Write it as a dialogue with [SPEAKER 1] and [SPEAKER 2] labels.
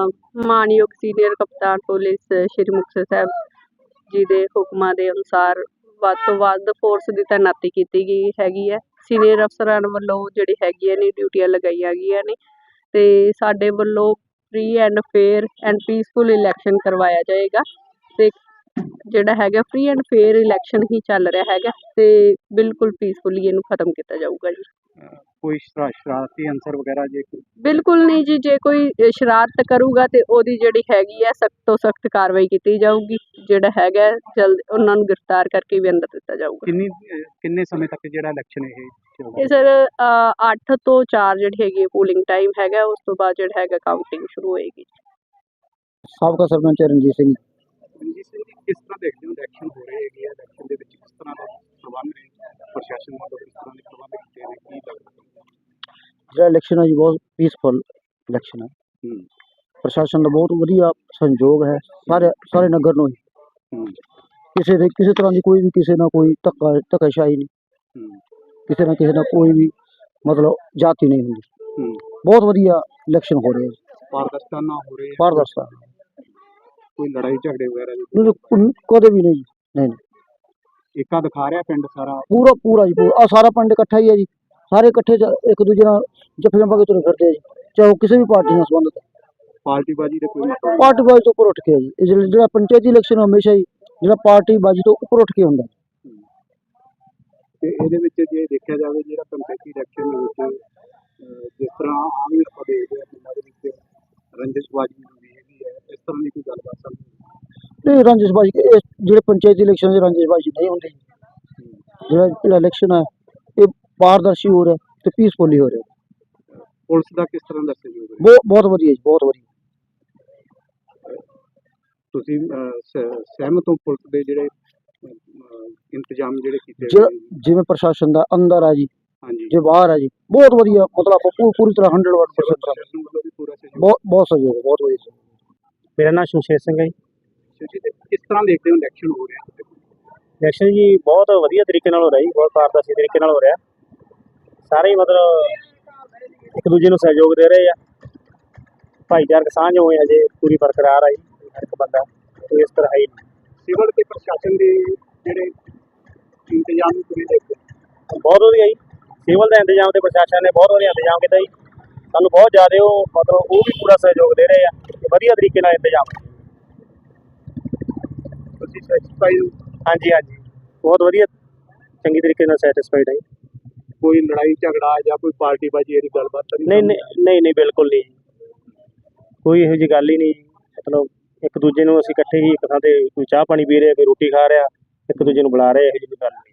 [SPEAKER 1] ਮਾਣਯੋਗ ਸੀਨੀਅਰ ਕਪਤਾਨ ਪੁਲਿਸ ਸ਼੍ਰੀ ਮੁਕਤਸਰ ਸਾਹਿਬ ਜੀ ਦੇ ਹੁਕਮਾਂ ਦੇ ਅਨੁਸਾਰ ਵੱਧ ਤੋਂ ਵੱਧ ਫੋਰਸ ਦੀ ਤੈਨਾਤੀ ਕੀਤੀ ਗਈ ਹੈਗੀ ਹੈ। ਸੀਨੀਅਰ ਅਫਸਰਾਂ ਵੱਲੋਂ ਜਿਹੜੀ ਹੈਗੀਆਂ ਨੇ ਡਿਊਟੀਆਂ ਲਗਾਈਆਂ ਗਈਆਂ ਨੇ ਅਤੇ ਸਾਡੇ ਵੱਲੋਂ free and fair and peaceful election ਕਰਵਾਇਆ ਜਾਏਗਾ ਅਤੇ ਜਿਹੜਾ ਹੈਗਾ ਫ੍ਰੀ ਐਂਡ ਫੇਅਰ ਇਲੈਕਸ਼ਨ ਹੀ ਚੱਲ ਰਿਹਾ ਹੈਗਾ ਅਤੇ ਬਿਲਕੁਲ ਪੀਸਫੁਲੀ ਇਹਨੂੰ ਖਤਮ ਕੀਤਾ ਜਾਊਗਾ ਜੀ।
[SPEAKER 2] ਕੋਈ ਸ਼ਰਾਰਤੀ ਅਨਸਰ ਵਗੈਰਾ ਜੇ
[SPEAKER 1] ਬਿਲਕੁਲ ਨਹੀਂ ਜੀ, ਜੇ ਕੋਈ ਸ਼ਰਾਰਤ ਕਰੂਗਾ ਤੇ ਉਹਦੀ ਜਿਹੜੀ ਹੈਗੀ ਹੈ ਸਖਤ ਤੋਂ ਸਖਤ ਕਾਰਵਾਈ ਕੀਤੀ ਜਾਊਗੀ। ਜਿਹੜਾ ਹੈਗਾ ਜਲਦ ਉਹਨਾਂ ਨੂੰ ਗ੍ਰਿਫਤਾਰ ਕਰਕੇ ਵੀ ਅੰਦਰ ਦਿੱਤਾ ਜਾਊਗਾ।
[SPEAKER 2] ਕਿੰਨੇ ਸਮੇਂ ਤੱਕ ਜਿਹੜਾ ਇਲੈਕਸ਼ਨ
[SPEAKER 1] ਇਹ ਸਰ 8 ਤੋਂ 4 ਜਿਹੜੀ ਹੈਗੀ ਪੋਲਿੰਗ ਟਾਈਮ ਹੈਗਾ, ਉਸ ਤੋਂ ਬਾਅਦ ਜਿਹੜਾ ਹੈਗਾ ਕਾਊਂਟਿੰਗ ਸ਼ੁਰੂ ਹੋਏਗੀ।
[SPEAKER 3] ਸਾਬਕਾ ਸਰਪੰਚ ਰਣਜੀਤ ਸਿੰਘ
[SPEAKER 2] ਜੀ, ਕਿਸ ਤਰ੍ਹਾਂ ਦੇਖਦੇ ਹੋ ਇਲੈਕਸ਼ਨ ਹੋ ਰਹੇ ਹੈਗੇ ਆ, ਇਲੈਕਸ਼ਨ ਦੇ ਵਿੱਚ ਕਿਸ ਤਰ੍ਹਾਂ ਦਾ ਪ੍ਰਬੰਧ ਨੇ, ਪ੍ਰਸ਼ਾਸਨ ਵੱਲੋਂ ਕਿਸ ਤਰ੍ਹਾਂ ਦੇ ਪ੍ਰਬੰਧ ਕੀਤੇ ਨੇ, ਕੀ ਲੱਗਦਾ?
[SPEAKER 3] ਜਿਹੜਾ ਇਲੈਕਸ਼ਨ ਹੈ ਜੀ ਬਹੁਤ ਪੀਸਫੁਲ ਇਲੈਕਸ਼ਨ ਹੈ। ਪ੍ਰਸ਼ਾਸਨ ਦਾ ਬਹੁਤ ਵਧੀਆ ਸਹਿਯੋਗ ਹੈ ਸਾਰੇ ਨਗਰ ਨੂੰ ਹੀ। ਕਿਸੇ ਤਰ੍ਹਾਂ ਦੀ ਕੋਈ ਵੀ ਕਿਸੇ ਨਾਲ ਕੋਈ ਧੱਕਾਸ਼ਾਹੀ ਨਹੀਂ, ਕਿਸੇ ਨਾਲ ਕੋਈ ਵੀ ਮਤਲਬ ਜਾਤੀ ਨਹੀਂ ਹੁੰਦੀ। ਬਹੁਤ ਵਧੀਆ ਇਲੈਕਸ਼ਨ ਹੋ ਰਹੇ ਹੈ।
[SPEAKER 2] ਪਾਰਦਰਸ਼ਤਾ ਨਾ ਹੋ ਰਹੀ,
[SPEAKER 3] ਪਾਰਦਰਸ਼ਤਾ,
[SPEAKER 2] ਕੋਈ ਲੜਾਈ ਝਗੜੇ ਵਗੈਰਾ
[SPEAKER 3] ਕਦੇ ਵੀ ਨਹੀਂ ਜੀ, ਨਹੀਂ।
[SPEAKER 2] ਏਕਾ ਦਿਖਾ ਰਿਹਾ ਪਿੰਡ ਸਾਰਾ
[SPEAKER 3] ਪੂਰਾ ਜੀ ਪੂਰਾ। ਸਾਰਾ ਪਿੰਡ ਇਕੱਠਾ ਹੀ ਹੈ ਜੀ, ਸਾਰੇ ਇਕੱਠੇ ਇੱਕ ਦੂਜੇ ਨਾਲ ਜੱਫੀਆਂ ਪਾ ਕੇ ਤੁਰੇ ਫਿਰਦੇ ਆ ਜੀ, ਚਾਹੇ ਉਹ ਕਿਸੇ ਵੀ ਪਾਰਟੀ ਨਾਲ ਸੰਬੰਧਿਤ ਹੈ।
[SPEAKER 2] ਪਾਰਟੀਬਾਜ਼ੀ ਦੇ ਕੋਈ ਮਤਲਬ
[SPEAKER 3] ਪਾਰਟੀਬਾਜ਼ੀ ਤੋਂ ਉੱਪਰ ਉੱਠ ਕੇ ਜੀ, ਜਿਹੜਾ ਪੰਚਾਇਤੀ ਇਲੈਕਸ਼ਨ ਹਮੇਸ਼ਾ ਹੀ ਜਿਹੜਾ ਪਾਰਟੀਬਾਜ਼ੀ ਤੋਂ ਉੱਪਰ ਉੱਠ ਕੇ ਹੁੰਦਾ।
[SPEAKER 2] ਤੇ ਇਹਦੇ ਵਿੱਚ ਜੇ ਦੇਖਿਆ ਜਾਵੇ ਜਿਹੜਾ ਪੰਚਾਇਤੀ ਇਲੈਕਸ਼ਨ ਦੇ ਵਿੱਚ ਜਿਸ ਤਰ੍ਹਾਂ ਆਮ ਹੀ ਆਪਾਂ ਦੇਖਦੇ ਹਾਂ ਪਿੰਡਾਂ ਦੇ ਵਿੱਚ ਰੰਜਿਸ਼ਬਾਜ਼ੀ ਹੁੰਦੀ ਹੈਗੀ ਹੈ, ਇਸ ਤਰ੍ਹਾਂ ਦੀ ਕੋਈ ਗੱਲਬਾਤ ਸਾਹਮਣੇ
[SPEAKER 3] ਨਹੀਂ। ਰੰਜਿਸ਼ਬਾਜ਼ੀ ਜਿਹੜੇ ਪੰਚਾਇਤੀ ਇਲੈਕਸ਼ਨ 'ਚ ਰੰਜਿਸ਼ਬਾਜ਼ੀ ਨਹੀਂ ਹੁੰਦੀ। ਜਿਹੜਾ ਇਲੈਕਸ਼ਨ ਹੈ ਇਹ ਪਾਰਦਰਸ਼ੀ ਹੋ ਰਿਹਾ ਤੇ ਪੀਸਫੁਲੀ ਹੋ ਰਿਹਾ।
[SPEAKER 2] ਪੁਲਿਸ ਦਾ ਕਿਸ ਤਰ੍ਹਾਂ ਦਾ ਸਹਿਯੋਗ ਹੈ?
[SPEAKER 3] ਬਹੁਤ ਵਧੀਆ ਜੀ, ਬਹੁਤ ਵਧੀਆ।
[SPEAKER 2] ਤੁਸੀਂ ਸਹਿਮਤ ਹੋ ਪੁਲਿਸ ਦੇ ਜਿਹੜੇ ਇੰਤਜ਼ਾਮ ਜਿਹੜੇ ਕੀਤੇ
[SPEAKER 3] ਜਿਵੇਂ ਪ੍ਰਸ਼ਾਸਨ ਦਾ ਅੰਦਰ ਹੈ ਜੀ,
[SPEAKER 2] ਹਾਂਜੀ,
[SPEAKER 3] ਜੇ ਬਾਹਰ ਹੈ ਜੀ, ਬਹੁਤ ਵਧੀਆ। ਮਤਲਬ ਆਪਾਂ ਪੂਰੀ ਤਰ੍ਹਾਂ 100% ਬਹੁਤ ਸਹਿਯੋਗ, ਬਹੁਤ ਵਧੀਆ।
[SPEAKER 4] ਮੇਰਾ ਨਾਮ ਸ਼ਮਸ਼ੇਰ ਸਿੰਘ ਹੈ ਜੀ।
[SPEAKER 2] ਕਿਸ ਤਰ੍ਹਾਂ ਦੇਖਦੇ ਹੋ ਇਲੈਕਸ਼ਨ ਹੋ ਰਿਹਾ?
[SPEAKER 4] ਇਲੈਕਸ਼ਨ ਜੀ ਬਹੁਤ ਵਧੀਆ ਤਰੀਕੇ ਨਾਲ ਹੋ ਰਿਹਾ ਜੀ, ਬਹੁਤ ਪਾਰਦਰਸ਼ੀ ਤਰੀਕੇ ਨਾਲ ਹੋ ਰਿਹਾ। ਸਾਰੇ ਹੀ ਮਤਲਬ ਇੱਕ ਦੂਜੇ ਨੂੰ ਸਹਿਯੋਗ ਦੇ ਰਹੇ ਆ। ਭਾਈਚਾਰਕ ਸਾਂਝ ਹੋਏ ਹਜੇ ਪੂਰੀ ਬਰਕਰਾਰ ਆ ਜੀ, ਹਰ ਇੱਕ ਬੰਦਾ ਕੋਈ ਇਸ ਤਰ੍ਹਾਂ ਹੈ ਹੀ ਨਹੀਂ।
[SPEAKER 2] ਸਿਵਲ ਤੇ ਪ੍ਰਸ਼ਾਸਨ ਦੇ ਜਿਹੜੇ ਇੰਤਜ਼ਾਮ ਪੂਰੇ ਦੇਖਦੇ
[SPEAKER 4] ਬਹੁਤ ਵਧੀਆ ਜੀ। ਸਿਵਲ ਦਾ ਇੰਤਜ਼ਾਮ ਤੇ ਪ੍ਰਸ਼ਾਸਨ ਨੇ ਬਹੁਤ ਵਧੀਆ ਇੰਤਜ਼ਾਮ ਕੀਤਾ ਜੀ। ਸਾਨੂੰ ਬਹੁਤ ਜ਼ਿਆਦਾ ਉਹ ਮਤਲਬ ਉਹ ਵੀ ਪੂਰਾ ਸਹਿਯੋਗ ਦੇ ਰਹੇ ਆ, ਵਧੀਆ ਤਰੀਕੇ ਨਾਲ ਇੰਤਜ਼ਾਮ।
[SPEAKER 2] ਤੁਸੀਂ ਸੈਟੀਸਫਾਈਡ ਹੋ?
[SPEAKER 4] ਹਾਂਜੀ, ਬਹੁਤ ਵਧੀਆ, ਚੰਗੀ ਤਰੀਕੇ ਨਾਲ ਸੈਟਿਸਫਾਈਡ ਹੈ।
[SPEAKER 2] ਕੋਈ ਲੜਾਈ ਝਗੜਾ ਜਾਂ ਕੋਈ ਪਾਰਟੀਬਾਜ਼ੀ ਵਾਲੀ ਗੱਲਬਾਤ ਤਾਂ
[SPEAKER 4] ਨਹੀਂ, ਬਿਲਕੁਲ ਨਹੀਂ, ਕੋਈ ਇਹੋ ਜਿਹੀ ਗੱਲ ਹੀ ਨਹੀਂ। ਮਤਲਬ ਇੱਕ ਦੂਜੇ ਨੂੰ ਅਸੀਂ ਇਕੱਠੇ ਹੀ ਇੱਕ ਥਾਂ ਤੇ ਕੋਈ ਚਾਹ ਪਾਣੀ ਪੀ ਰਹੇ, ਕੋਈ ਰੋਟੀ ਖਾ ਰਿਹਾ, ਇੱਕ ਦੂਜੇ ਨੂੰ ਬੁਲਾ ਰਹੇ, ਇਹੋ ਜਿਹੀ ਗੱਲ ਨਹੀਂ।